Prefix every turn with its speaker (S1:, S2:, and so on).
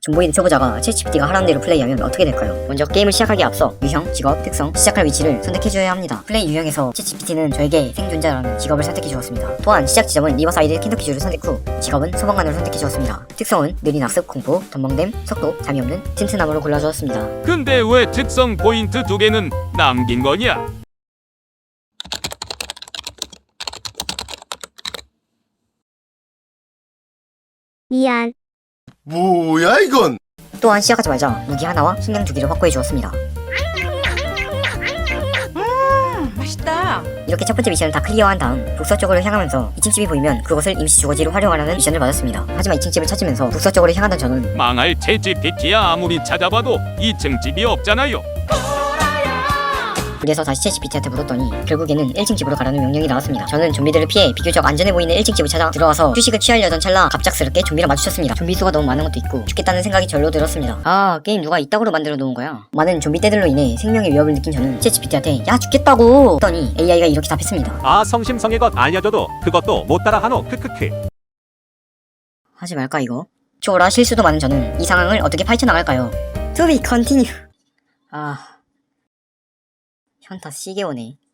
S1: 존보이드 초보자가 챗GPT가 하라는 대로 플레이하면 어떻게 될까요? 먼저 게임을 시작하기에 앞서 유형, 직업, 특성, 시작할 위치를 선택해줘야 합니다. 플레이 유형에서 챗GPT는 저에게 생존자라는 직업을 선택해주었습니다. 또한 시작 지점은 리버사이드 켄터키주를 선택 후 직업은 소방관으로 선택해주었습니다. 특성은 느린 학습, 공포, 덤벙댐, 속도, 잠이 없는 튼튼함으로 골라주었습니다.
S2: 근데 왜 특성 포인트 2개는 남긴 거냐?
S3: 미안.
S4: 뭐야 이건?
S1: 또한 시작하자마자 무기 하나와 식량 2개를 확보해 주었습니다.
S5: 맛있다.
S1: 이렇게 첫 번째 미션을 다 클리어한 다음 북서쪽으로 향하면서 2층 집이 보이면 그것을 임시 주거지로 활용하라는 미션을 받았습니다. 하지만 2층 집을 찾으면서 북서쪽으로 향하던 저는
S2: 망할 챗GPT야 아무리 찾아봐도 2층 집이 없잖아요.
S1: 그래서 다시 챗GPT한테 물었더니 결국에는 1층 집으로 가라는 명령이 나왔습니다. 저는 좀비들을 피해 비교적 안전해 보이는 1층 집을 찾아 들어와서 휴식을 취하려던 찰나 갑작스럽게 좀비랑 마주쳤습니다. 좀비 수가 너무 많은 것도 있고 죽겠다는 생각이 절로 들었습니다. 아, 게임 누가 이따구로 만들어 놓은 거야. 많은 좀비 떼들로 인해 생명의 위협을 느낀 저는 챗GPT한테 야 죽겠다고 했더니 AI가 이렇게 답했습니다.
S6: 아 성심성의 것 알려줘도 그것도 못 따라하노 크크크.
S1: 하지 말까 이거? 초라 실수도 많은 저는 이 상황을 어떻게 파헤쳐나갈까요? To be continue. 아... 현타 시게 오네.